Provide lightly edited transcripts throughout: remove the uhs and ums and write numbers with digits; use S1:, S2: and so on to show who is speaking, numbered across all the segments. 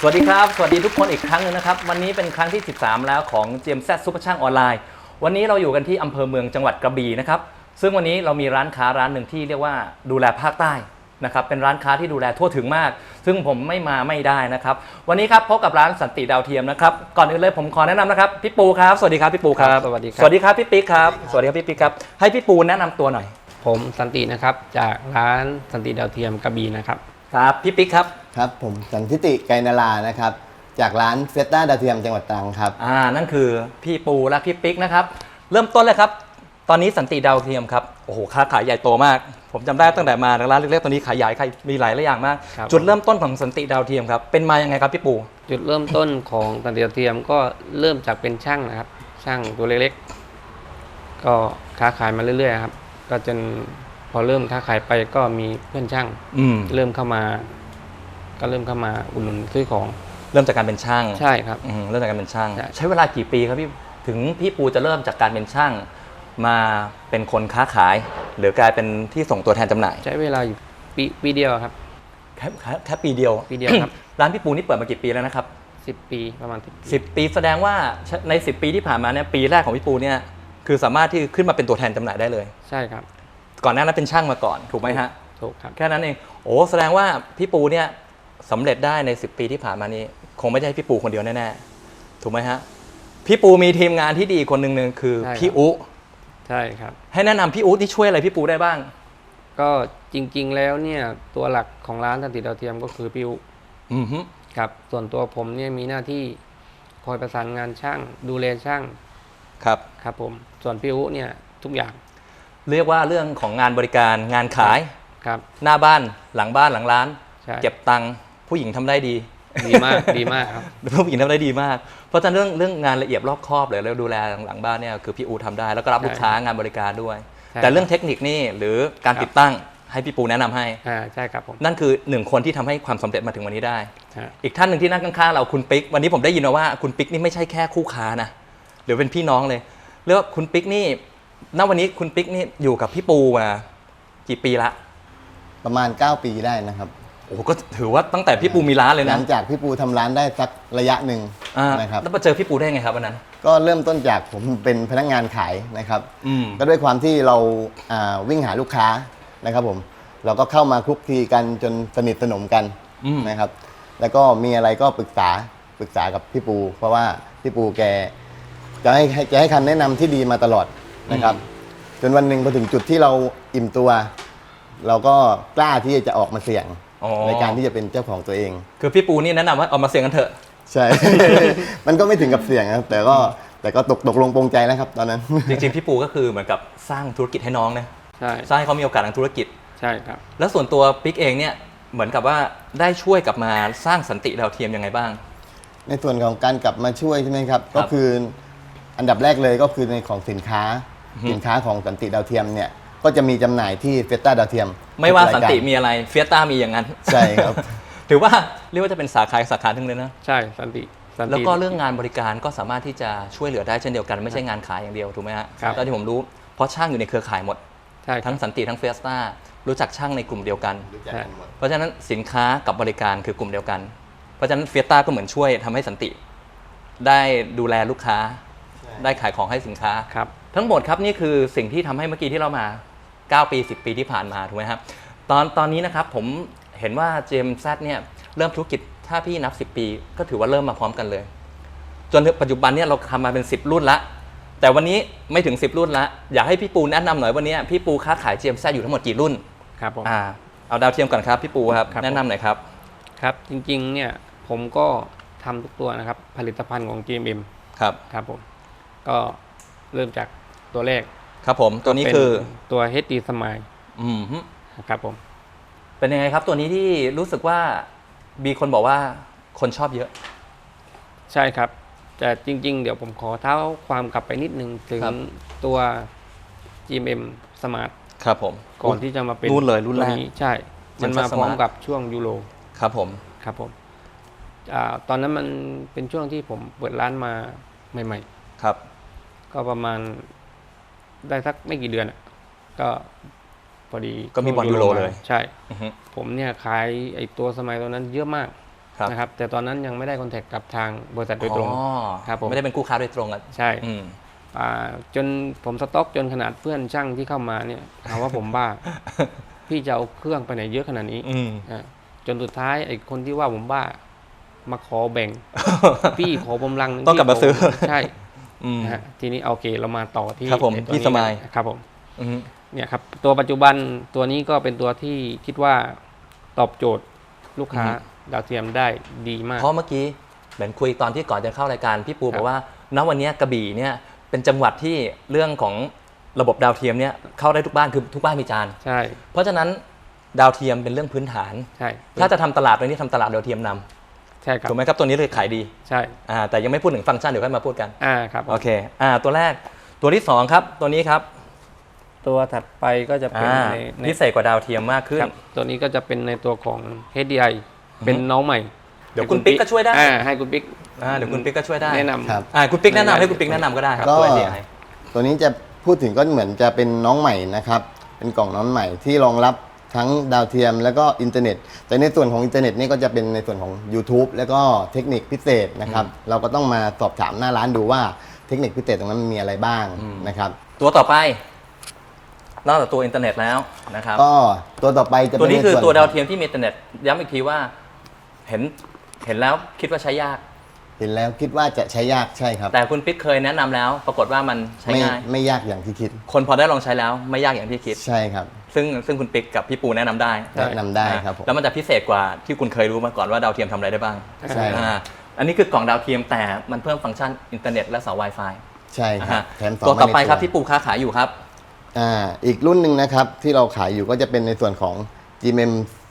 S1: วัสดีครับสวัสดีทุกคนอีกครั้งนึงนะครับวันนี้เป็นครั้งที่13แล้วของ GMZ ซุปเปอร์ช่างออนไลน์วันนี้เราอยู่กันที่อำเภอเมืองจังหวัดกระบี่นะครับซึ่งวันนี้เรามีร้านค้าร้านหนึ่งที่เรียกว่าดูแลภาคใต้นะครับเป็นร้านค้าที่ดูแลทั่วถึงมากซึ่งผมไม่มาไม่ได้นะครับวันนี้ครับพบกับร้านสันติดาวเทียมนะครับก่อนอื่นเลยผมขอแนะนำนะครับพี่ปูครับสวัสดีครับพี่ปูครับ
S2: สวัสดีครับ
S1: สวัสดีครับพี่ปิ๊กครับสวัสดีครับพี่ปิ๊กครับให้พี่ปูแนะนำตัวหน่อย
S2: ผมสันตินะครับจากร้านสันติดาวเทียมกระบี่นะครับ
S1: ครับพี่ปิ๊กครับ
S3: ครับผมสันทิติไกรนารานะครับจากร้านเฟสต้าดาวเทียมจังหวัดตรังครับ
S1: นั่นคือพี่ปูและพี่ปิ๊กนะครับเริ่มต้นเลยครับตอนนี้สันติดาวเทียมครับโอ้โหค้าขายใหญ่โตมากผมจำได้ตั้งแต่มาร้านเล็กๆตอนนี้ขายใหญ่มีหลายอย่างมากจุดเริ่มต้นของสันติดาวเทียมครับเป็นมายังไงครับพี่ปู
S2: จุดเริ่มต้นของสันติดาวเทียมก็เริ่มจากเป็นช่างนะครับช่างตัวเล็กๆก็ค้าขายมาเรื่อยๆครับก็จนพอเริ่มค้าขายไปก็มีเพื่อนช่างเริ่มเข้ามาอุดหนุนซื้อของ
S1: เริ่มจากการเป็นช่าง
S2: ใช่ครับ
S1: เริ่มจากการเป็นช่างใช้เวลากี่ปีครับพี่ถึงพี่ปูจะเริ่มจากการเป็นช่างมาเป็นคนค้าขายหรือกลายเป็นที่ส่งตัวแทนจำหน่าย
S2: ใช้เวลาอยู่ปีเดียวครับ
S1: แค่ปีเดียว
S2: ครับ
S1: ร้านพี่ปูนี่เปิดมากี่ปีแล้วนะครับ
S2: 10 ปีประมาณ
S1: 10 ปีแสดงว่าใน10 ปีที่ผ่านมาเนี่ยปีแรกของพี่ปูเนี่ยคือสามารถที่ขึ้นมาเป็นตัวแทนจำหน่ายได้เลย
S2: ใช่ครับ
S1: ก่อนหน้านั้นเป็นช่างมาก่อนถูกไหมฮะ
S2: ถูกครับ
S1: แค่นั้นเองโอ้แสดงว่าพี่ปูเนี่ยสำเร็จได้ใน10 ปีที่ผ่านมานี้คงไม่ใช่พี่ปูคนเดียวแน่ๆถูกไหมฮะพี่ปูมีทีมงานที่ดีคนหนึ่งคือพี่อุ
S2: ใช่ครับ
S1: ให้แนะนำพี่อุที่ช่วยอะไรพี่ปูได้บ้าง
S2: ก็จริงๆแล้วเนี่ยตัวหลักของร้านสันติดาวเทียมก็คือพี่อุครับส่วนตัวผมเนี่ยมีหน้าที่คอยประสานงานช่างดูแลช่างครับผมส่วนพี่อุเนี่ยทุกอย่าง
S1: เรียกว่าเรื่องของงานบริการงานขาย
S2: ครับ
S1: หน้าบ้านหลังร้านเก็บตังค์ผู้หญิงทำได้ดี
S2: มากครับ
S1: ผู้หญิงทำได้ดีมากเพราะฉะนั้นเรื่องงานละเอียดรอบคอบเลยแล้วดูแลหลังบ้านเนี่ยคือพี่อูทำได้แล้วก็รับลูกค้างานบริการด้วยแต่เรื่องเทคนิคนี่หรือการติดตั้งให้พี่ปูแนะนำให้
S2: ใช่ครับผม
S1: นั่นคือ1คนที่ทำให้ความสำเร็จมาถึงวันนี้ได้อีกท่านหนึ่งที่นั่งข้างๆเราคุณปิ๊กวันนี้ผมได้ยินมาว่าคุณปิ๊กนี่ไม่ใช่แค่คู่ค้านะหรือเป็นพี่น้องเลยเรียกว่าคุณปิ๊กนี่ณวันนี้คุณปิ๊กนี่อยู่กับพี่ปูมากี่ปีละ
S3: ประมาณ9 ปีได้นะครับ
S1: โอ้ก็ถือว่าตั้งแต่พี่ปูมีร้านเลยนะ
S3: หลังจากพี่ปูทำร้านได้สักระยะหนึ่งนะครับ
S1: แล้วมาเจอพี่ปูได้ไงครับวันนั้น
S3: ก็เริ่มต้นจากผมเป็นพนักงานขายนะครับก็ด้วยความที่เราวิ่งหาลูกค้านะครับผมเราก็เข้ามาคลุกคลีกันจนสนิทสนมกันนะครับแล้วก็มีอะไรก็ปรึกษากับพี่ปูเพราะว่าพี่ปูแกจะให้คำแนะนำที่ดีมาตลอดนะครับจนวันหนึ่งพอถึงจุดที่เราอิ่มตัวเราก็กล้าที่จะออกมาเสี่ยงในการที่จะเป็นเจ้าของตัวเอง
S1: คือพี่ปูนี่แนะนำว่าเอามาเสี่ยงกันเถอะ
S3: ใช่ มันก็ไม่ถึงกับเสี่ยงนะแต่ก็ตกลงปรงใจแล้วครับตอนนั้น
S1: จริงๆพี่ปูก็คือเหมือนกับสร้างธุรกิจให้น้องนะ
S2: ใช่
S1: สร้างให้เขามีโอกาสทางธุรกิจ
S2: ใช่ครับ
S1: แล้วส่วนตัวปิ๊กเองเนี่ยเหมือนกับว่าได้ช่วยกลับมาสร้างสันติดาวเทียมยังไงบ้าง
S3: ในส่วนของการกลับมาช่วยใช่ไหมครับก็คืออันดับแรกเลยก็คือในของสินค้าของสันติดาวเทียมเนี่ยก็จะมีจำหน่ายที่เฟสต้าดาวเทียม
S1: ไม่ว่าสันติมีอะไรเฟียต้ามีอย่างนั้น
S3: ใช่ครับ
S1: ถือว่าเรียกว่าจะเป็นสาขาทั้งเลยนะ
S2: ใช่สันติ
S1: แล้วก็เรื่องงานบริการก็สามารถที่จะช่วยเหลือได้เช่นเดียวกันไม่ใช่งานขายอย่างเดียวถูกไหมฮะตอนที่ผมรู้เพราะช่างอยู่ในเครือข่ายหมดทั้งสันติทั้งเฟียต้ารู้จักช่างในกลุ่มเดียวกันเพราะฉะนั้นสินค้ากับบริการคือกลุ่มเดียวกันเพราะฉะนั้นเฟียต้าก็เหมือนช่วยทำให้สันติได้ดูแลลูกค้าได้ขายของให้สินค้าทั้งหมดครับนี่คือสิ่งที่ทำให้เมื่อกี้ที่เรามา9 ปี10 ปีที่ผ่านมาถูกไหมครับตอนนี้นะครับผมเห็นว่า GMZ เนี่ยเริ่มธุรกิจถ้าพี่นับ10 ปีก็ถือว่าเริ่มมาพร้อมกันเลยจนปัจจุบันเนี่ยเราทำมาเป็น10 รุ่นละแต่วันนี้ไม่ถึง10 รุ่นละอยากให้พี่ปูแนะนำหน่อยวันนี้พี่ปูค้าขาย GMZ อยู่ทั้งหมดกี่รุ่น
S2: ครับผม
S1: เอาดาวเทียมก่อนครับพี่ปูครับแนะนำหน่อยครับ
S2: ครับจริงๆเนี่ยผมก็ทำทุกตัวนะครับผลิตภัณฑ์ของ GMM ครับผมก็เริ่มจากตัวแรก
S1: ครับผมตัวนี้คือ
S2: ตัว HD Smile ครับผม
S1: เป็นยังไงครับตัวนี้ที่รู้สึกว่ามีคนบอกว่าคนชอบเยอะ
S2: ใช่ครับแต่จริงๆเดี๋ยวผมขอเท้าความกลับไปนิดนึงถึงตัว GMM Smart
S1: ครับผม
S2: ก่อนที่จะมาเป็น
S1: รุ่นเลยรุ่นแรก
S2: ใช่มันมาพร้อมกับช่วงยูโร
S1: ครับผม
S2: ตอนนั้นมันเป็นช่วงที่ผมเปิดร้านมาใหม่
S1: ๆครับ
S2: ก็ประมาณได้สักไม่กี่เดือนก็พอดี
S1: ก็มีบอลยูโรเลย
S2: ใช่ผมเนี่ยขายไอ้ตัวสมัยตอนนั้นเยอะมากนะครับแต่ตอนนั้นยังไม่ได้คอนแทคกับทางบริษัทโดยตรงครับผม
S1: ไม่ได้เป็นคู่ค้าโดยตรงอ่ะ
S2: ใช่จนผมสต็อกจนขนาดเพื่อนช่างที่เข้ามาเนี่ยถามว่าผมบ้า พี่จะเอาเครื่องไปไหนเยอะขนาดนี้จนสุดท้ายไอ้คนที่ว่าผมบ้ามาขอแบ่ง พี่ขอกำลัง
S1: ต้องกลับมาซื้อ
S2: ใช่ทีนี้โอเคเรามาต่อที่
S1: ครับผมพี่สมัย
S2: ครับผมเนี่ยครับตัวปัจจุบันตัวนี้ก็เป็นตัวที่คิดว่าตอบโจทย์ลูกค้าดาวเทียมได้ดีมาก
S1: เพราะเมื่อกี้เหมือนคุยตอนที่ก่อนจะเข้ารายการพี่ปูบอกว่าณวันนี้กระบี่เนี่ยเป็นจังหวัดที่เรื่องของระบบดาวเทียมเนี่ยเข้าได้ทุกบ้านคือทุกบ้านมีจาน
S2: ใช่
S1: เพราะฉะนั้นดาวเทียมเป็นเรื่องพื้นฐาน
S2: ใช่
S1: ถ้าจะทำตลาดตัวนี้ทำตลาดดาวเทียมนำ
S2: ใช่ครับ
S1: ถูกไหมครับตัวนี้เลยขายดี
S2: ใช่
S1: แต่ยังไม่พูดถึงฟังก์ชันเดี๋ยวค่อยมาพูดกัน
S2: ครับ
S1: โอเคตัวแรกตัวที่2ครับตัวนี้ครับ
S2: ตัวถัดไปก็จะเป็น
S1: พิเศษกว่าดาวเทียมมากขึ้น
S2: ตัวนี้ก็จะเป็นในตัวของ HDI เป็นน้องใหม่
S1: เดี๋ยวคุณปิ๊กก็ช่วยได้
S2: ให้คุณปิ๊ก
S1: เดี๋ยวคุณปิ๊กก็ช่วยได้
S2: แนะนำ
S3: ครับ
S1: คุณปิ๊กแนะนำให้คุณปิ๊กแนะนำก็ได้ครับตัว HDI
S3: ตัวนี้จะพูดถึงก็เหมือนจะเป็นน้องใหม่นะครับเป็นกล่องน้องใหม่ที่รองรับทั้งดาวเทียมแล้วก็อินเทอร์เน็ตแต่ในส่วนของอินเทอร์เน็ตนี่ก็จะเป็นในส่วนของ YouTube แล้วก็เทคนิคพิเศษนะครับเราก็ต้องมาสอบถามหน้าร้านดูว่าเทคนิคพิเศษตรงนั้นมีอะไรบ้างนะครับ
S1: ตัวต่อไปนอกจากตัวอินเทอร์เน็ตแล้วนะครับ
S3: ก็ตัวต่อไปจะเป็น
S1: ตัวนี้คือตัวดาวเทียมที่มีอินเทอร์เน็ตย้ำอีกทีว่าเห็นแล้วคิดว่าใช้ยาก
S3: เห็นแล้วคิดว่าจะใช้ยากใช่ครับ
S1: แต่คุณปิ๊กเคยแนะนำแล้วปรากฏว่ามันใช้ง่าย
S3: ไม่ยากอย่างที่คิด
S1: คนพอได้ลองใช้แล้วไม่ยากอย่างที่คิด
S3: ใช่ครับ
S1: ซึ่งคุณปิ๊กกับพี่ปูแนะนำได้
S3: ครับผม
S1: แล้วมันจะพิเศษกว่าที่คุณเคยรู้มาก่อนว่าดาวเทียมทำอะไรได้บ้าง
S3: ใช่
S1: อันนี้คือกล่องดาวเทียมแต่มันเพิ่มฟังก์ชันอินเทอร์เน็ตและเสา Wi-Fi
S3: ใช่ครับแถม
S1: ตัวต่อไปครับที่ปูค้าขายอยู่ครับ
S3: อีกรุ่นหนึ่งนะครับที่เราขายอยู่ก็จะเป็นในส่วนของ GMM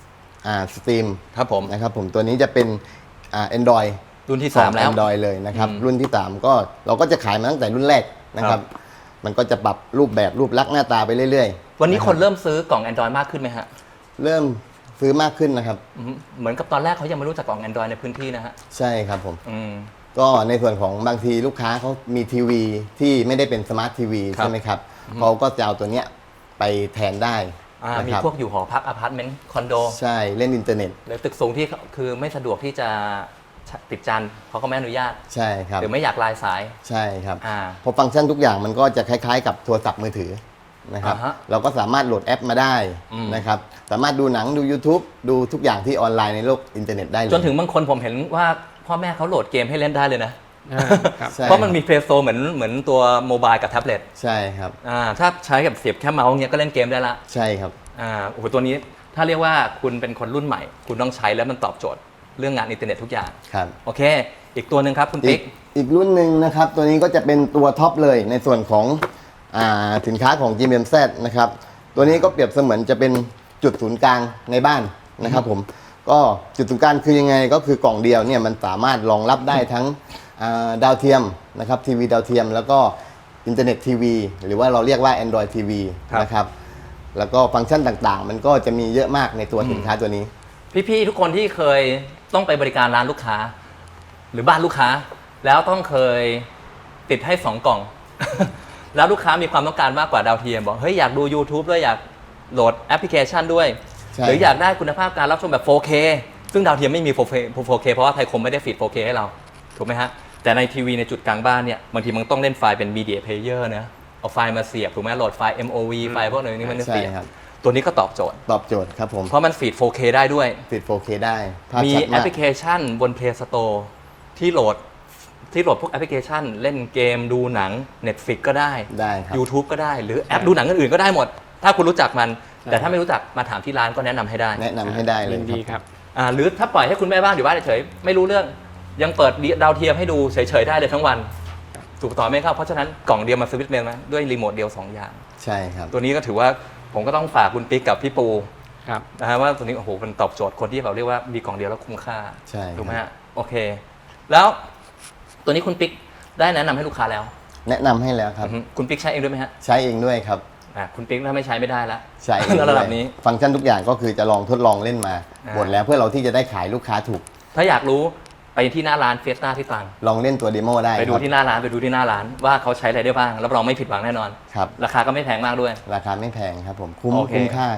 S3: Stream
S1: ครับผม
S3: นะครับผมตัวนี้จะเป็นAndroid
S1: รุ่นที่3แล้ว
S3: Android เลยนะครับรุ่นที่3ก็เราก็จะขายมาตั้งแต่รุ่นแรกนะครับมันก็จะปรับรูปแบบรูปลักษณ์หน้าตาไปเรื่อย
S1: ๆวันนี้คนเริ่มซื้อกล่อง Android มากขึ้นไหมฮะ
S3: เริ่มซื้อมากขึ้นนะครับ
S1: เหมือนกับตอนแรกเขายังไม่รู้จักกล่อง Android ในพื้นที่นะฮะ
S3: ใช่ครับผมก็ในส่วนของบางทีลูกค้าเขามีทีวีที่ไม่ได้เป็นสมาร์ททีวีใช่ไหมครับเขาก็จะเอาตัวเนี้ยไปแทนได้
S1: มีพวกอยู่หอพักอพาร์ตเมนต์คอนโด
S3: ใช่เล่นอินเทอร์เน็ต
S1: หรือตึกสูงที่คือไม่สะดวกที่จะติดจานเขาก็ไม่อนุญาต
S3: ใช่ครับ
S1: หรือไม่อยากลายสาย
S3: ใช่ครับเพราะฟังก์ชันทุกอย่างมันก็จะคล้ายๆกับโทรศัพท์มือถือนะครับเราก็สามารถโหลดแอปมาได้นะครับสามารถดูหนังดู YouTube ดูทุกอย่างที่ออนไลน์ในโลกอินเทอร์เน็ตได้เลย
S1: จนถึงบางคนผมเห็นว่าพ่อแม่เขาโหลดเกมให้เล่นได้เลยนะเพราะมันมีเพลย์สโตร์เหมือนตัวโมบายกับแท็บเล็ต
S3: ใช่ครับ
S1: ถ้าใช้กับเสียบแค่เมาส์เงี้ยก็เล่นเกมได้ละ
S3: ใช่ครับ
S1: โอ้โหตัวนี้ถ้าเรียกว่าคุณเป็นคนรุ่นใหม่คุณต้องใช้แล้วมันตอบโจทย์เรื่องงานอินเทอร์เน็ตทุกอย่าง
S3: ครับ
S1: โอเคอีกตัวหนึ่งครับคุณปิ๊ก
S3: อีกรุ่นหนึ่งนะครับตัวนี้ก็จะเป็นตัวท็อปเลยในส่วนของสินค้าของ GMMZ นะครับตัวนี้ก็เปรียบเสมือนจะเป็นจุดศูนย์กลางในบ้านนะครับผมก็จุดศูนย์กลางคือยังไงก็คือกล่องเดียวเนี่ยมันสามารถรองรับได้ทั้งดาวเทียมนะครับทีวีดาวเทียมแล้วก็อินเทอร์เน็ตทีวีหรือว่าเราเรียกว่า Android TV นะครับแล้วก็ฟังก์ชันต่างๆมันก็จะมีเยอะมากในตัวสินค้าตัวนี้
S1: พี่ๆทุกคนที่เคยต้องไปบริการร้านลูกค้าหรือบ้านลูกค้าแล้วต้องเคยติดให้2กล่อง แล้วลูกค้ามีความต้องการมากกว่าดาวเทียมบอกเฮ้ยอยากดู YouTube ด้วยอยากโหลดแอปพลิเคชันด้วยหรืออยากได้คุณภาพการรับชมแบบ 4K ซึ่งดาวเทียมไม่มี 4K เพราะว่าไทยคมไม่ได้ฟีด 4K ให้เราถูกไหมฮะแต่ในทีวีในจุดกลางบ้านเนี่ยบางทีมันต้องเล่นไฟล์เป็น Media Player นะเอาไฟล์มาเสียบถูกไหมโหลดไฟล์ MOV ไฟล์พวกนี้มันเสียบตัวนี้ก็ตอบโจทย์
S3: ครับผม
S1: เพราะมันฟีด 4K ได้ด้วย
S3: ฟีด 4K ได้
S1: มีแอปพลิเคชันบน Play Store ที่โหลดพวกแอปพลิเคชันเล่นเกมดูหนัง Netflix ก็ได้
S3: ครับ
S1: YouTube ก็ได้หรือแอปดูหนังอื่นๆก็ได้หมดถ้าคุณรู้จักมันแต่ถ้าไม่รู้จักมาถามที่ร้านก็แนะนำให้ได้
S3: เลย
S2: ดีครับ
S1: หรือถ้าปล่อยให้คุณแม่บ้านอยู่บ้านเฉยๆไม่รู้เรื่องยังเปิดดาวเทียมให้ดูเฉยๆได้เลยทั้งวันถูกต่อไหมครับเพราะฉะนั้นกล่องเดียวมาสวิตช์เลยไหมด้วยรีโมทเดียว2อย่าง
S3: ใช่ครับ
S1: ตัวนี้ก็ถือว่าผมก็ต้องฝากคุณปิ๊กกับพี่ปูนะฮะว่าตัวนี้โอ้โหมันตอบโจทย์คนที่แบบเรียกว่ามีกล่องเดียวแล้วคุ้มค่าถูกไหมฮะโอเคแล้วตัวนี้คุณปิ๊กได้แนะนำให้ลูกค้าแล้ว
S3: แนะนำให้แล้วครับ
S1: คุณปิ๊กใช้เองด้วยไหมฮะ
S3: ใช้เองด้วยครับ
S1: คุณปิ๊กถ้าไม่ใช้ไม่ได้ละ
S3: ใช่ในระดับนี้ฟังก์ชันทุกอย่างก็คือจะลองทดลองเล่นมาหมดแล้วเพื่อเราที่จะได้ขายลูกค้าถูก
S1: ถ้าอยากรู้ไปที่หน้าร้านเฟียสต้าที่ตรัง
S3: ลองเล่นตัวเดโมได้
S1: ไปดูที่หน้าร้านว่าเขาใช้อะไรได้บ้างรับรองไม่ผิดหวังแน่นอน
S3: ครับ
S1: ราคาก็ไม่แพงมากด้วย
S3: ราคาไม่แพงครับผมคุ้มค่าครับ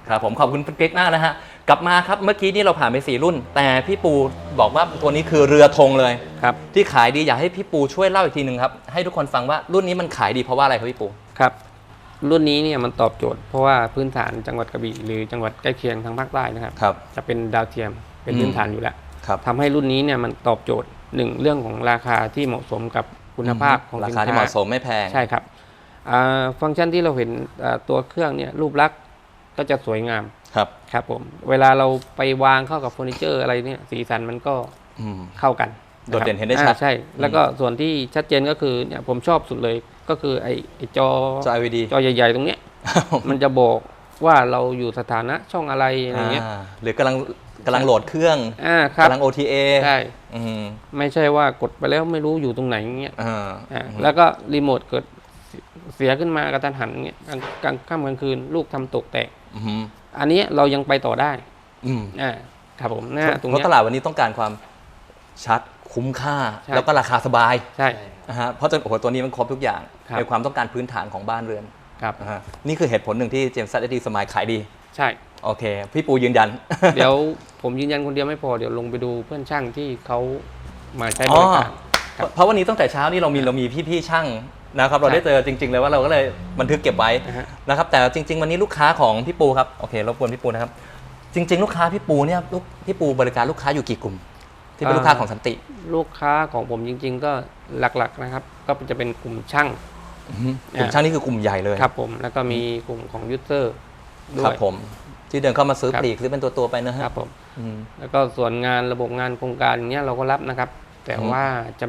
S1: ครับผมขอบคุณคุณกิ๊กมากนะฮะกลับมาครับเมื่อกี้นี่เราผ่านไป4รุ่นแต่พี่ปูบอกว่าตัวนี้คือเรือธงเลย
S2: ครับ
S1: ที่ขายดีอยากให้พี่ปูช่วยเล่าอีกทีหนึ่งครับให้ทุกคนฟังว่ารุ่นนี้มันขายดีเพราะว่าอะไรครับพี่ปู
S2: ครับรุ่นนี้เนี่ยมันตอบโจทย์เพราะว่าพื้นฐานจังหวัดกระบี่หรือจังหวัดใกล้เคียงทางภาคใต้นะครับจะเป็นดาวเทียมเป็นพื้นฐานอยู่แล้วทำให้รุ่นนี้เนี่ยมันตอบโจทย์1เรื่องของราคาที่เหมาะสมกับคุณภาพของ
S1: ราคาที่เหมาะสมไม่แพง
S2: ใช่ครับฟังก์ชันที่เราเห็นตัวเครื่องเนี่ยรูปลักษณ์ก็จะสวยงามครับผมเวลาเราไปวางเข้ากับเฟอร์นิเจอร์อะไรเนี่ยสีสันมันก็เข้ากัน
S1: โดดเด่นเห็นได้ชัด
S2: ใช่แล้วก็ส่วนที่ชัดเจนก็คือเนี่ยผมชอบสุดเลยก็คือไอ้จอ
S1: LED
S2: จอใหญ่ๆตรงเนี้ยมันจะบอกว่าเราอยู่สถานะช่องอะไรอะไรเงี้ย
S1: หรือกำลังโหลดเครื่องกำลัง OTA
S2: ใช่ไม่ใช่ว่ากดไปแล้วไม่รู้อยู่ตรงไหนเงี้ยแล้วก็รีโมทเกิดเสียขึ้นมากระทันหันเงี้ยกลางค่ำกลางคืนลูกทำตกแตกอันนี้เรายังไปต่อได้ครับผม
S1: ตรงนี้เพราะตลาดวันนี้ต้องการความชัดคุ้มค่าแล้วก็ราคาสบาย
S2: ใช่
S1: เพราะตัวนี้มันครบทุกอย่างในความต้องการพื้นฐานของบ้านเรือน
S2: ครับ
S1: นี่คือเหตุผลหนึ่งที่ James ZSD Smile ขายดี
S2: ใช่
S1: โอเคพี่ปูยืนยัน
S2: เดี๋ยวผมยืนยันคนเดียวไม่พอเดี๋ยวลงไปดูเพื่อนช่างที่เขามาใช้บริการ
S1: เพราะวันนี้ตั้งแต่เช้านี่เรามีพี่ช่างนะครับเราได้เจอจริงๆเลยว่าเราก็เลยบันทึกเก็บไว้นะครับแต่จริงๆวันนี้ลูกค้าของพี่ปูครับโอเครบกวนพี่ปูนะครับจริงๆลูกค้าพี่ปูเนี่ยพี่ปูบริการลูกค้าอยู่กี่กลุ่มที่เป็นลูกค้าของสันติ
S2: ลูกค้าของผมจริงๆก็หลักๆนะครับก็จะเป็นกลุ่มช่าง
S1: กลุ่มช่างนี่คือกลุ่มใหญ่เลย
S2: ครับผมแล้วก็มีกลุ่มของยูเซอร์ด้วย
S1: ครับผมที่เดินเข้ามาซื้อปลีกซื้อเป็นตัวไปนะครับ
S2: ผมแล้วก็ส่วนงานระบบงานโครงการอย่างเงี้ยเราก็รับนะครับแต่ว่าจะ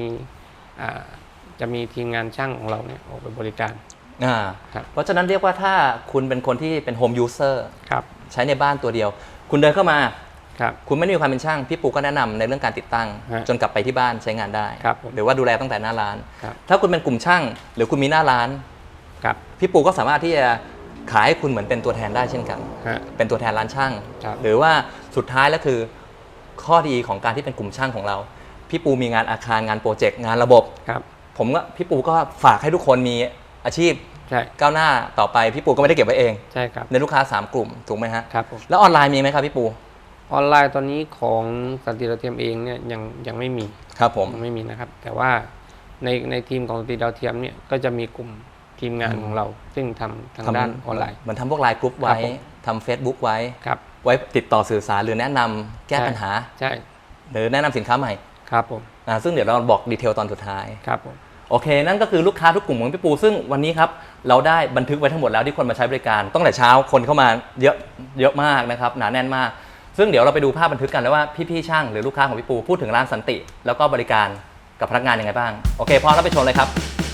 S2: มีทีมงานช่างของเราเนี่ยออกไปบริการ
S1: เพราะฉะนั้นเรียกว่าถ้าคุณเป็นคนที่เป็นโฮมยูเซอร์ใช้ในบ้านตัวเดียวคุณเดินเข้ามาคุณไม่มีความเป็นช่างพี่ปูก็แนะนำในเรื่องการติดตั้งจนกลับไปที่บ้านใช้งานได้หรือว่าดูแลตั้งแต่หน้าร้านถ้าคุณเป็นกลุ่มช่างหรือคุณมีหน้าร้านพี่ปูก็สามารถที่จะขายให้คุณเหมือนเป็นตัวแทนได้เช่นกันเป็นตัวแทนร้านช่างหรือว่าสุดท้ายแล้วคือข้อดีของการที่เป็นกลุ่มช่างของเราพี่ปูมีงานอาคารงานโปรเจกต์งานระบบผมก็พี่ปูก็ฝากให้ทุกคนมีอาชีพก้าวหน้าต่อไปพี่ปูก็ไม่ได้เก็บไว้เองในลูกค้า3กลุ่มถูกไหมฮะแล้วออนไลน์มีไหมครับพี่ปู
S2: ออนไลน์ตอนนี้ของสันติดาวเทียมเองเนี่ยยังไม่มี
S1: ครับผม
S2: ไม่มีนะครับแต่ว่าในทีมของสันติดาวเทียมเนี่ยก็จะมีกลุ่มทีมงานของเราซึ่งทำทางด้านออนไลน์
S1: มันทำพวกไลน์กรุ๊ปไว้ทำ Facebook ไว้ไว้ติดต่อสื่อสารหรือแนะนำแก้ปัญหา
S2: ใช่
S1: หรือแนะนำสินค้าใหม่
S2: ครับผม
S1: ซึ่งเดี๋ยวเราบอกดีเทลตอนสุดท้าย
S2: ครับผม
S1: โอเคนั่นก็คือลูกค้าทุกกลุ่มของพี่ปูซึ่งวันนี้ครับเราได้บันทึกไว้ทั้งหมดแล้วที่คนมาใช้บริการตั้งแต่เช้าคนเข้ามาเยอะมากนะครับหนาแน่นมากซึ่งเดี๋ยวเราไปดูภาพบันทึกกันแล้วว่าพี่ๆช่างหรือลูกค้าของพี่ปูพูดถึงร้านสันติแล้วก็บริการกับพนักงานยังไงบ้างโอเคพร้อมแล้วไปชมเลยครับ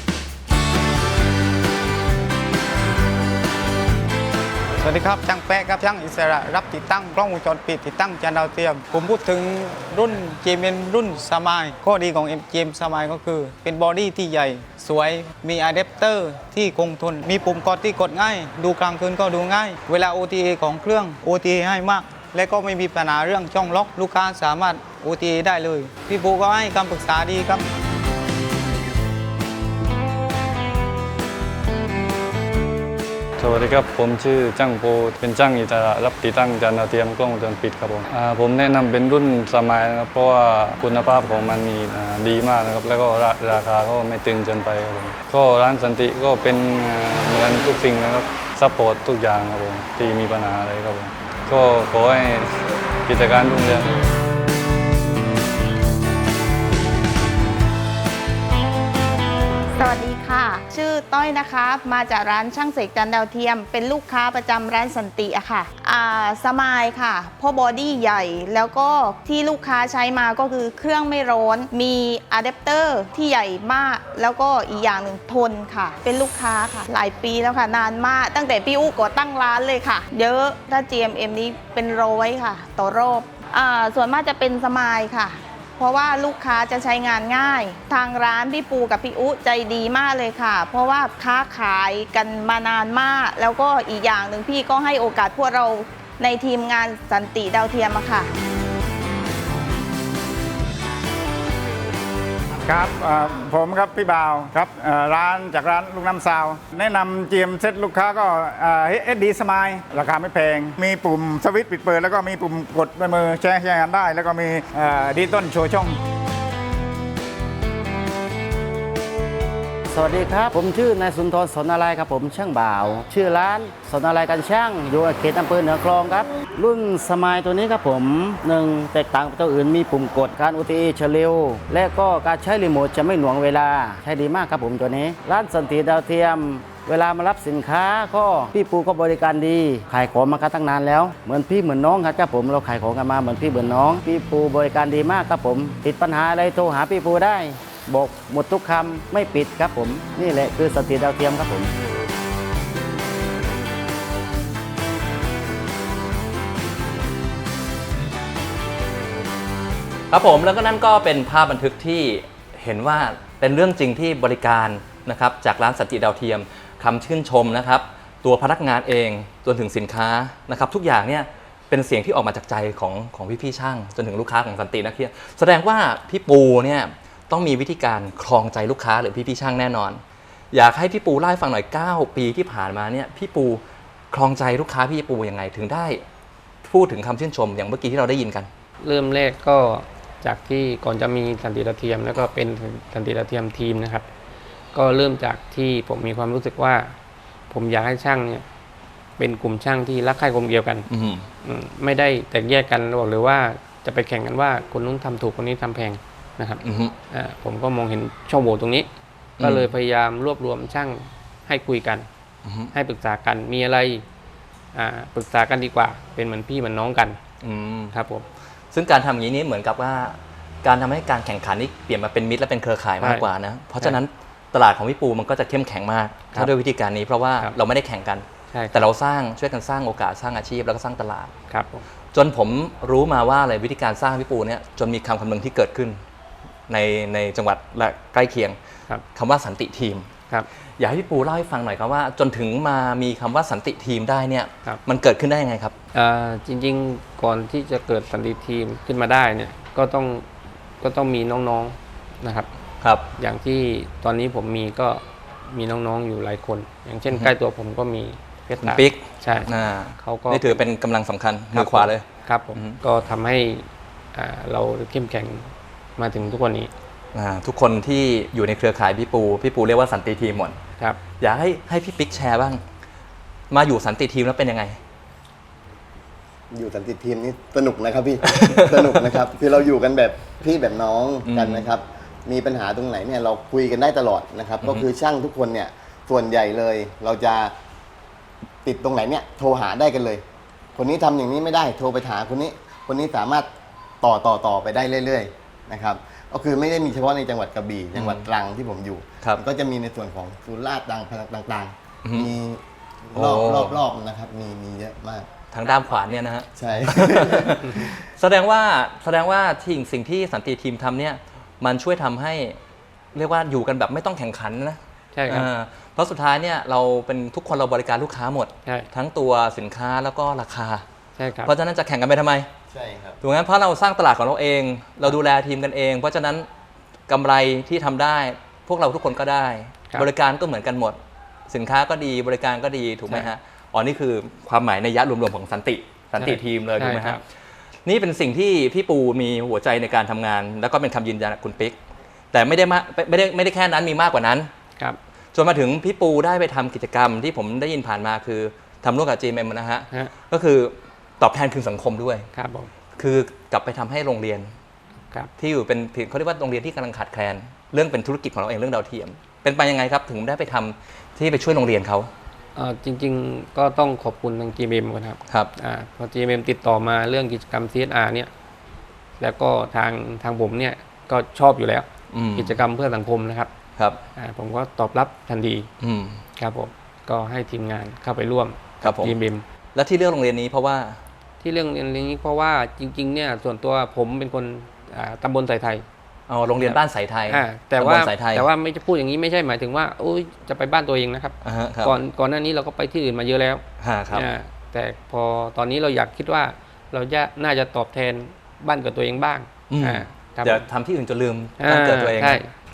S4: สวัสดีครับช่างแป๊ะครับช่างอิสระรับติดตั้งกล้องวงจรปิดติดตั้งจานดาวเทียมผมพูดถึงรุ่น JMN รุ่นสมายข้อดีของ JM สมายก็คือเป็นบอดี้ที่ใหญ่สวยมีอะแดปเตอร์ที่คงทนมีปุ่มกดที่กดง่ายดูกลางคืนก็ดูง่ายเวลา OTA ของเครื่อง OTA ให้มากและก็ไม่มีปัญหาเรื่องช่องล็อกลูกค้าสามารถ OTA ได้เลยพี่ปูก็ให้คำปรึกษาดีครับ
S5: สวัสดีครับผมชื่อจ้างโปเป็นจ้างอิสระรับติดตั้งจานดาวเทียมกล้องวงจรปิดครับผมแนะนำเป็นรุ่นสมายนะครับเพราะว่าคุณภาพของมันมีดีมากนะครับแล้วก็ราคาก็ไม่ตึงจนไปครับผมก็ร้านสันติก็เป็นเหมือนทุกสิ่งนะครับซัพพอร์ตทุกอย่างครับผมที่มีปัญหาอะไรครับผมก็ขอให้กิจการรุ่งเรือง
S6: สวัสดีค่ะชื่อต้อยนะคะมาจากร้านช่างเสกจานดาวเทียมเป็นลูกค้าประจำร้านสันติอะค่ะสมายค่ะเพราะบอดี้ใหญ่แล้วก็ที่ลูกค้าใช้มาก็คือเครื่องไม่ร้อนมีอะแดปเตอร์ที่ใหญ่มากแล้วก็อีกอย่างหนึ่งทนค่ะเป็นลูกค้าค่ะหลายปีแล้วค่ะนานมากตั้งแต่พี่อู้ก่อตั้งร้านเลยค่ะเยอะถ้า GMM นี้เป็น100ค่ะต่อรอบส่วนมากจะเป็นสมายค่ะเพราะว่าลูกค้าจะใช้งานง่ายทางร้านพี่ปูกับพี่อุ๊ใจดีมากเลยค่ะเพราะว่าค้าขายกันมานานมากแล้วก็อีกอย่างหนึ่งพี่ก็ให้โอกาสพวกเราในทีมงานสันติดาวเทียมค่ะ
S7: ครับผมครับพี่บ่าวครับร้านจากร้านลูกน้ำซาวแนะนำเจียมเซ็ตลูกค้าก็SD Smile ราคาไม่แพง มีปุ่มสวิตช์ปิดเปิดแล้วก็มีปุ่มกดด้วยมือใช้งานได้ แล้วก็มีดิจิตอลโชว์ช่อง
S8: สวัสดีครับ ผมชื่อนายสุนทรสนอะไรครับผมช่างบ่าว ชื่อร้านสนอะไรกันช่างอยู่เขตอำเภอเหนือคลองครับ รุ่นสมายตัวนี้ครับผม1แตกต่างจากตัวอื่นมีปุ่มกดการ OTA เฉลียวและก็การใช้รีโมทจะไม่หน่วงเวลาใช้ดีมากครับผมตัวนี้ ร้านสันติดาวเทียม เวลามารับสินค้าก็พี่ปูก็บริการดีขายของมากันตั้งนานแล้วเหมือนพี่เหมือนน้องครับผมเราขายของกันมาเหมือนพี่เหมือนน้องพี่ปูบริการดีมากครับผมติดปัญหาอะไรโทรหาพี่ปูได้บอกหมดทุกคำไม่ปิดครับผมนี่แหละคือสันติดาวเทียมครับผม
S1: ครับผมแล้วก็นั่นก็เป็นภาพบันทึกที่เห็นว่าเป็นเรื่องจริงที่บริการนะครับจากร้านสันติดาวเทียมคำชื่นชมนะครับตัวพนักงานเองจนถึงสินค้านะครับทุกอย่างเนี่ยเป็นเสียงที่ออกมาจากใจของพี่ๆช่างจนถึงลูกค้าของสันตินักเที่ยวแสดงว่าพี่ปูเนี่ยต้องมีวิธีการครองใจลูกค้าหรือพี่ๆช่างแน่นอน อยากให้พี่ปูเล่าให้ฟังหน่อย9 ปีที่ผ่านมาเนี่ยพี่ปูครองใจลูกค้าพี่ปูยังไงถึงได้พูดถึงคำชื่นชมอย่างเมื่อกี้ที่เราได้ยินกัน
S2: เริ่มแรกก็จากที่ก่อนจะมีสันติดาวเทียมแล้วก็เป็นสันติดาวเทียมทีมนะครับก็เริ่มจากที่ผมมีความรู้สึกว่าผมอยากให้ช่างเนี่ยเป็นกลุ่มช่างที่รักใคร่กลมเกลียวกันไม่ได้แตกแยกกันหรือว่าจะไปแข่งกันว่าคนนู้นทำถูกคนนี้ทำแพงนะครับผมก็มองเห็นช่องโหว่ตรงนี้ก็เลยพยายามรวบรวมช่างให้คุยกันให้ปรึกษากันมีอะไรปรึกษากันดีกว่าเป็นเหมือนพี่เหมือนน้องกันครับผม
S1: ซึ่งการทำอย่างนี้เหมือนกับว่าการทำให้การแข่งขันนี้เปลี่ยนมาเป็นมิตรและเป็นเครือข่ายมากกว่านะเพราะฉะนั้นตลาดของพี่ปูมันก็จะเข้มแข็งมากถ้าด้วยวิธีการนี้เพราะว่าเราไม่ได้แข่งกันแต่เราช่วยกันสร้างโอกาสสร้างอาชีพแล้วก็สร้างตลาด
S2: ครับ
S1: จนผมรู้มาว่าอะไรวิธีการสร้างพี่ปูเนี่ยจนมีคำนึงที่เกิดขึ้นในจังหวัดและใกล้เคียงคำว่าสันติทีมอยากให้พี่ปูเล่าให้ฟังหน่อยครับว่าจนถึงมามีคำว่าสันติทีมได้เนี่ยมันเกิดขึ้นได้ยังไงครับ
S2: จริงๆก่อนที่จะเกิดสันติทีมขึ้นมาได้เนี่ยก็ต้องมีน้องๆนะครับอย่างที่ตอนนี้ผมมีก็มีน้องๆอยู่หลายคนอย่างเช่นใกล้ตัวผมก็มีเพชร
S1: ปิ๊ก
S2: ใช่เขาก็
S1: นี่ถือเป็นกำลังสำคัญมือขวาเลย
S2: ครับผมก็ทำให้เราเข้มแข็งมาถึงทุกวันนี้
S1: ทุกคนที่อยู่ในเครือข่ายพี่ปูเรียกว่าสันติทีมหมด
S2: ครับ
S1: อยากให้พี่ปิ๊กแชร์บ้างมาอยู่สันติทีมแล้วเป็นยังไง
S3: อยู่สันติทีมนี่สนุกนะครับพี่ สนุกนะครับคือเราอยู่กันแบบพี่แบบน้องกันนะครับมีปัญหาตรงไหนเนี่ยเราคุยกันได้ตลอดนะครับก็คือช่างทุกคนเนี่ยส่วนใหญ่เลยเราจะติดตรงไหนเนี่ยโทรหาได้กันเลยคนนี้ทำอย่างนี้ไม่ได้โทรไปหาคนนี้สามารถต่อไปได้เรื่อยๆนะครับก็คือไม่ได้มีเฉพาะในจังหวัดกระบี่จังหวัดตรังที่ผมอยู่ก็จะมีในส่วนของสุราษฎร์ต่างๆมีรอบนะครับมีเยอะมาก
S1: ทางด้ามขวานเนี่ยนะฮะ
S3: ใช่
S1: แสดงว่าสิ่งที่สันติทีมทำเนี่ยมันช่วยทำให้เรียกว่าอยู่กันแบบไม่ต้องแข่งขันนะ
S2: ใช่ครับ
S1: เพราะสุดท้ายเนี่ยเราเป็นทุกคนเราบริการลูกค้าหมดทั้งตัวสินค้าแล้วก็ราคา
S2: ใช่ครับ
S1: เพราะฉะนั้นจะแข่งกันไปทำไม
S3: ใช่ครับ
S1: ถูกไหมเพราะเราสร้างตลาดของเราเองเราดูแลทีมกันเองเพราะฉะนั้นกำไรที่ทำได้พวกเราทุกคนก็ได้บริการก็เหมือนกันหมดสินค้าก็ดีบริการก็ดีถูกไหมฮะนี่คือความหมายในยะรวมๆของสันติทีมเลยถูกไหมครับนี่เป็นสิ่งที่พี่ปูมีหัวใจในการทำงานแล้วก็เป็นคำยืนยันจากคุณปิ๊กแต่ไม่ได้แค่นั้นมีมากกว่านั้นจนมาถึงพี่ปูได้ไปทำกิจกรรมที่ผมได้ยินผ่านมาคือทำร่วมกับ GMM นะฮะก็คือตอบแทนคืนสังคมด้วยคือกลับไปทำให้โรงเรียนที่อยู่เป็นเขาเรียกว่าโรงเรียนที่กำลังขาดแคลนเรื่องเป็นธุรกิจของเราเองเรื่องดาวเทียมเป็นไปยังไงครับถึงได้ไปทำที่ไปช่วยโรงเรียนเขา
S2: จริงๆก็ต้องขอบคุณทาง GMM ก่อนครับพอ GMM ติดต่อมาเรื่องกิจกรรม CSR เนี่ยแล้วก็ทางผมเนี่ยก็ชอบอยู่แล้วกิจกรรมเพื่อสังคมนะครับผมก็ตอบรับทันทีครับผมก็ให้ทีมงานเข้าไปร่วมกับ GMM
S1: และที่เลือกโรงเรียนนี้เพราะว่า
S2: ที่เรื่องนี้เพราะว่าจริงๆเนี่ยส่วนตัวผมเป็นคนตำบลสายไทย
S1: โรงเรียนบ้านสายไทย
S2: แต่ว่าไม่จะพูดอย่างนี้ไม่ใช่หมายถึงว่าจะไปบ้านตัวเองนะครับก่อนหน้านี้เราก็ไปที่อื่นมาเยอะแล้วแต่พอตอนนี้เราอยากคิดว่าเราน่าจะตอบแทนบ้านเกิดตัวเองบ้าง
S1: จะทำที่อื่นจนลืมบ้านเกิดตัวเอง
S2: ใช่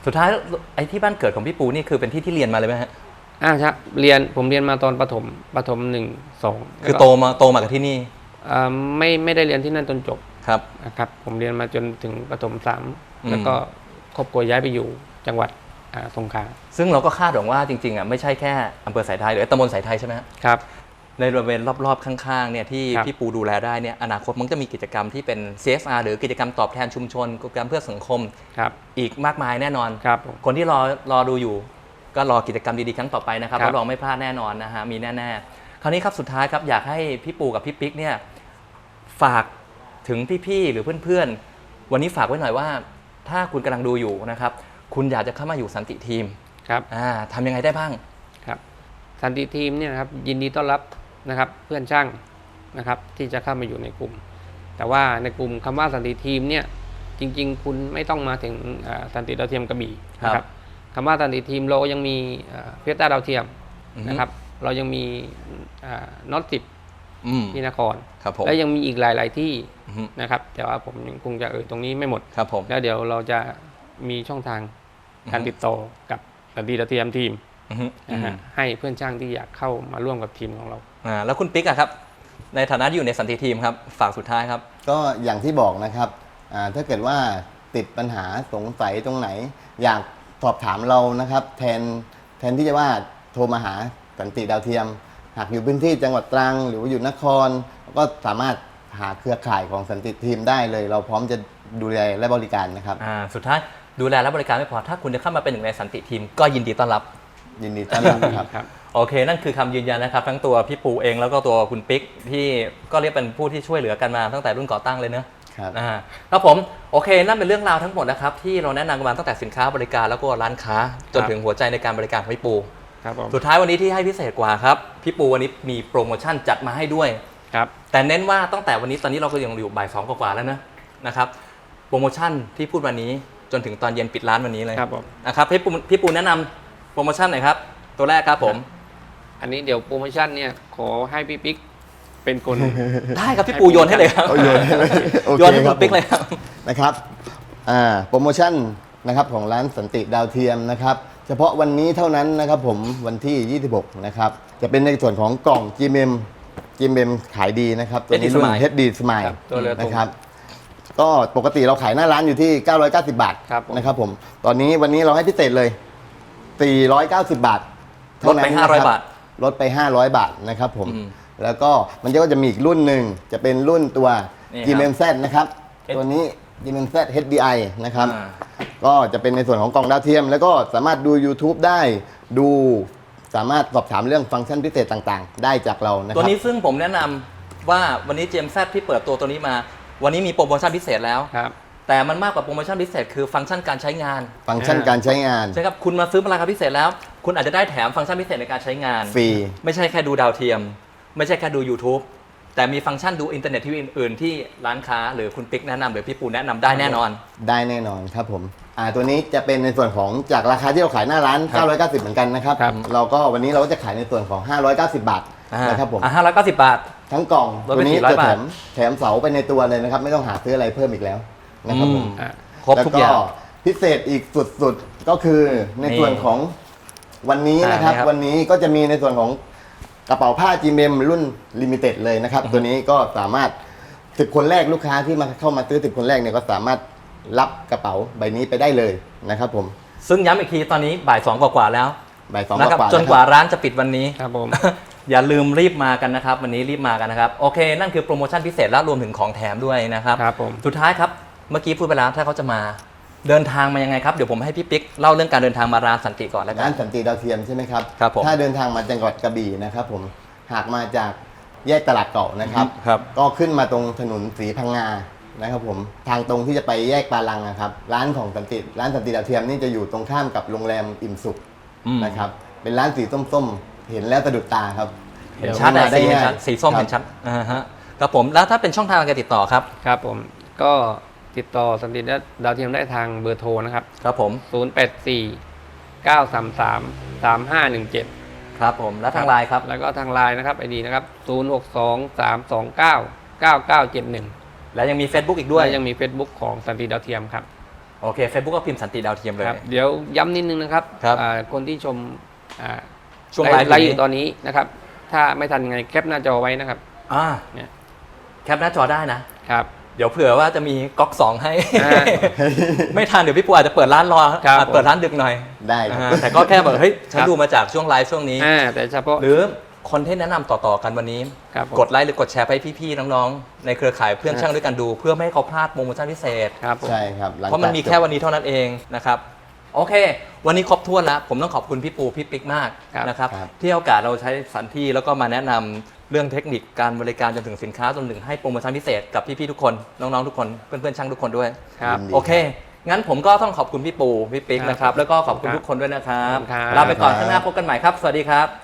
S1: สุดท้ายไอ้ที่บ้านเกิดของพี่ปูนี่คือเป็นที่ที่เรียนมาเลยไหมฮะ
S2: ใช่ผมเรียนมาตอนประถม1 2
S1: คือโตมากับที่นี่
S2: ไม่ได้เรียนที่นั่นจนจบ
S1: ครับ
S2: นะครับผมเรียนมาจนถึงประถม
S1: อืม
S2: 3แล้วก็ครอบครัวย้ายไปอยู่จังหวัดสงขลา
S1: ซึ่งเราก็คาดหวังว่าจริงๆไม่ใช่แค่อำเภอสายไทยหรือตำบลสายไทยใช่ไหมฮะ
S2: ครับ
S1: ในบริเวณรอบๆข้างๆเนี่ยที่
S2: ครับ
S1: พี่ปูดูแลได้เนี่ยอนาคตมันจะมีกิจกรรมที่เป็น CSR หรือกิจกรรมตอบแทนชุมชนกิจกรรมเพื่อสังคม
S2: ครับ
S1: อีกมากมายแน่นอน
S2: ครับผม
S1: คนที่รอดูอยู่ก็รอกิจกรรมดีๆครั้งต่อไปนะครับ
S2: ครับ
S1: รับรองไม่พลาดแน่นอนนะฮะมีแน่ๆคราวนี้ครับสุดท้ายครับอยากให้พี่ปูกับพี่ปิ๊กเนี่ยฝากถึงพี่ๆหรือเพื่อนๆวันนี้ฝากไว้หน่อยว่า ถ้าคุณกำลังดูอยู่นะครับคุณอยากจะเข้ามาอยู่สันติทีม
S2: ครับ
S1: ทำยังไงได้บ้าง
S2: ครับสันติทีมเนี่ยนะครับยินดีต้อนรับนะครับเพื่อนช่างนะครับที่จะเข้ามาอยู่ในกลุ่ม แต่ว่าในกลุ่มคำว่าสันติทีมเนี่ยจริงๆ คุณไม่ต้องมาถึงสันติดาวเทียมกระบี่นะครับคำว่าสันติทีมเรายังมีเพียต้าดาวเทียมนะครับเรายังมีน็อต10ที่นคร
S1: ครับผม
S2: และยังมีอีกหลายๆที่นะครับแต่ว่าผมยังคงจะตรงนี้ไม่หมด
S1: ครับผม
S2: แล้วเดี๋ยวเราจะมีช่องทางการติดต่อกับสันติดาวเทียมทีมนะฮะให้เพื่อนช่างที่อยากเข้ามาร่วมกับทีมของเรา
S1: แล้วคุณปิ๊กอะครับในฐานะที่อยู่ในสันติทีมครับฝากสุดท้ายครับ
S3: ก็อย่างที่บอกนะครับถ้าเกิดว่าติดปัญหาสงสัยตรงไหน อยากสอบถามเรานะครับแทนที่จะว่าโทรมาหาสันติดาวเทียม หากอยู่พื้นที่จังหวัดตรังหรือว่าอยู่นคร ก็สามารถหาเครือข่ายของสันติทีมได้เลย เราพร้อมจะดูแลและบริการนะครับ
S1: สุดท้ายดูแลและบริการไม่พอถ้าคุณจะเข้ามาเป็นหนึ่งในสันติทีมก็ยินดีต้อนรับ
S3: ยินดีต้อนรับครับ
S1: โอเค นั่นคือคำยืนยันนะครับ ทั้งตัวพี่ปูเองแล้วก็ตัวคุณปิ๊กที่ก็เรียกเป็นผู้ที่ช่วยเหลือกันมาตั้งแต่รุ่นก่อตั้งเลยเนอะครับผมโอเคนั่นเป็นเรื่องราวทั้งหมดนะครับที่เราแนะนำกันมาตั้งแต่สินค้าบริการแล้วก็ร้านค้าจนถึงหัวใจในการบริการของพี่ปู
S2: ครับผม
S1: สุดท้ายวันนี้ที่ให้พิเศษกว่าครับพี่ปูวันนี้มีโปรโมชั่นจัดมาให้ด้วย
S2: ครับ
S1: แต่เน้นว่าตั้งแต่วันนี้ตอนนี้เราก็ยังอยู่บ่าย 2 กว่าๆแล้วนะครับโปรโมชั่นที่พูดวันนี้จนถึงตอนเย็นปิดร้านวันนี้เลย
S2: ครับผม
S1: นะครับพี่ปูแนะนำโปรโมชั่นหน่อยครับตัวแรกครับผม
S2: อันนี้เดี๋ยวโปรโมชั่นเนี่ยขอให้พี่ปิ๊กเป็นคน
S1: ได้ครับพี่ปูโยนให้เลยครับ
S3: โยนให้เลยโอเค
S1: โยนให้คุณปิ๊กเลยครับ
S3: นะครับโปรโมชั่นนะครับของร้านสันติดาวเทียมนะครับเฉพาะวันนี้เท่านั้นนะครับผมวันที่ 26 นะครับจะเป็นในส่วนของกล่อง GMM ขายดีนะครับตัวนี้รุ่น HD Smile
S2: ครับตัวเรือธง
S3: นะครับก็ปกติเราขายหน้าร้านอยู่ที่ 990 บาท
S2: ครับผม
S3: นะครับผมตอนนี้วันนี้เราให้พิเศษเลย 490 บาท
S1: ลดไป
S3: เท่านั้นนะครับ
S1: 500 บาท
S3: ลดไป 500 บาทนะครับผม
S1: อืม
S3: แล้วก็มันก็จะมีอีกรุ่นหนึ่งจะเป็นรุ่นตัว
S1: นี่ครับ
S3: GMM Z นะครับ ตัวนี้ GMM Z HDI นะครับ
S1: อ่า
S3: ก็จะเป็นในส่วนของกล่องดาวเทียม แล้วก็สามารถดู YouTube ได้ดูสามารถสอบถามเรื่องฟังก์ชันพิเศษต่างๆ ได้จากเรานะค
S1: ตัว
S3: รับ
S1: นี้ซึ่งผมแนะนำว่าวันนี้ GMZ ที่เปิดตัวนี้มา วันนี้มีโปรโมชั่นพิเศษแล้ว
S2: ครับ
S1: แต่มันมากกว่าโปรโมชั่นพิเศษคือฟังก์ชันการใช้งาน
S3: ฟังก์ชันการใช้งาน
S1: ใช่ครับคุณมาซื้อราคาพิเศษแล้ว คุณอาจจะได้แถมฟังก์ชันพิเศษในการใช้งาน
S3: ฟรี
S1: ไม่ใช่แค่ดูดาวเทียม ไม่ใช่แค่ดู YouTube แต่มีฟังก์ชันดูอินเทอร์เน็ตทีวีอื่นๆที่ร้านค้าหรือคุณปิ๊กแนะนำหรือพี่ปูแนะนำได้แน่นอน
S3: ได้แน่นอนครับผมตัวนี้จะเป็นในส่วนของจากราคาที่เราขายหน้าร้าน 990 เหมือนกันนะครับ
S2: ครับ
S3: เราก็วันนี้เราก็จะขายในส่วนของ 590 บาทนะครับผม
S1: 590 บาท
S3: ทั้งกล่อง
S1: ลด
S3: ตั
S1: ไป
S3: วนี้
S1: 400
S3: จะ
S1: บาท
S3: แถมเสาไปในตัวเลยนะครับ ไม่ต้องหาซื้ออะไรเพิ่มอีกแล้วนะครับผม
S1: ครบทุกอย่าง
S3: แล้วพิเศษอีกสุดๆก็คือในส่วนของวันนี้นะครับ
S1: นี่ครับ
S3: วันนี้ก็จะมีในส่วนของกระเป๋าผ้า GMM รุ่นลิมิเต็ดเลยนะครับ ตัวนี้ก็สามารถ10 คนแรกลูกค้าที่มาเข้ามาซื้อ10 คนแรกเนี่ยก็สามารถรับกระเป๋าใบนี้ไปได้เลยนะครับผม
S1: ซึ่งย้ำอีกทีตอนนี้บ่าย 2 กว่าๆแล้ว
S3: บ่ายสอง
S1: นะครับ
S3: กว่าๆ
S1: จนกว่าร้านจะปิดวันนี้
S2: ครับผม
S1: อย่าลืมรีบมากันนะครับ วันนี้รีบมากันนะครับ โอเค นั่นคือโปรโมชั่นพิเศษและรวมถึงของแถมด้วยนะครับ
S2: ครับผม
S1: สุดท้ายครับ เมื่อกี้พูดไปแล้วถ้าเขาจะมาเดินทางมายังไงครับ เดี๋ยวผมให้พี่ปิ๊กเล่าเรื่องการเดินทางมาร้านสันติก่อนแล้วกั
S3: ร้าน นสันติดาวเทียมใช่ไหมครับ
S1: ครับผม
S3: ถ้าเดินทางมาจังหวัดกระบี่นะครับผมหากมาจากแยกตลาดเก่านะครับ
S1: ครับ
S3: ก็ขึ้นมาตรงถนนศรีพังงานะครับผมทางตรงที่จะไปแยกปาลังนะครับร้านของร้านสันติดาวเทียมนี่จะอยู่ตรงข้ามกับโรงแรมอิ่มสุขนะครับเป็นร้านสีส้มๆเห็นแล้วสะดุดตาครับ
S1: เห็นชัดเลยสีเห็นชัดสีส้ม
S3: ครับ
S1: เห็นชัดฮะครับผมแล้วถ้าเป็นช่องทางการติดต่อครับ
S2: ครับผมก็ติดต่อสันติดาวเทียมได้ทางเบอร์โทรนะครับ
S1: ครับผม
S2: 084 933 3517
S1: ครับผมแล้วทางไลน์ครับ
S2: แล้วก็ทางไลน์นะครับไอดีนะครับ 062 329 9971
S1: และยังมี Facebook อีกด้วย
S2: และยังมี Facebook ของสันติดาวเทียมครับ
S1: โอเค Facebook ก็พิมพ์สันติดาวเทียมเลย
S2: ครับเดี๋ยวย้ำนิดนึงนะครับ
S1: ครับ
S2: คนที่ชมอ่า
S1: ช่วงไลฟ์
S2: ไลฟ์อ
S1: นี้
S2: ยู่ตอนนี้นะครับ ถ้าไม่ทันยังไงแคปหน้าจอไว้นะครับ เนี่ย
S1: แคปหน้าจอได้นะ
S2: ครับ
S1: เดี๋ยวเผื่อว่าจะมีก๊อก2ให้
S2: อ่า
S1: ไม่ทันเดี๋ยวพี่ปูอาจจะเปิดร้านรอ
S2: ครับ
S1: อาจเปิดร้านดึกหน่อย
S3: ได้ครับ
S1: แต่ก็แค่แบบเฮ้ยฉัน
S2: ครับ
S1: ดูมาจากช่วงไลฟ์ช่วงนี้
S2: แต่เฉพาะ
S1: หรือคนที่แนะนำต่อๆกันวันนี้
S2: ครับผม
S1: กดไลค์หรือกดแชร์ไปให้พี่ๆน้องๆในเครือข่ายเพื่อนช่างด้วยกันดู เพื่อไม่ให้เขาพลาดโปรโมชั่นพิเศษ
S2: ครับผม
S3: ใช่ครับหลัง
S1: เพราะมันมี
S3: จาก
S1: แค่วันนี้เท่านั้นเองนะครับโอเค วันนี้ครบถ้วนแล้วผมต้องขอบคุณพี่ปูพี่ปิ๊กมาก
S2: ครับ
S1: นะครับ
S3: ครับ
S1: ที่ให้โอกาสเราใช้สถานที่แล้วก็มาแนะนำเรื่องเทคนิคการบริการจนถึงสินค้าจนถึงให้โปรโมชั่นพิเศษกับพี่ๆทุกคนน้องๆทุกคนเพื่อนๆช่างทุกคนด้วย
S2: ครับ
S3: ยินดี
S1: โอเค งั้นผมก็ต้องขอบคุณพี่ปูพี่ปิ๊ก
S2: ครับ
S1: นะครับแล้วก็ขอบคุณ
S2: ครับ
S1: ทุกคนด้วยนะครับ
S2: ครับ
S1: ลาไปก่อนข้างหน้าพบกันใหม่ครับสวัสดีครับ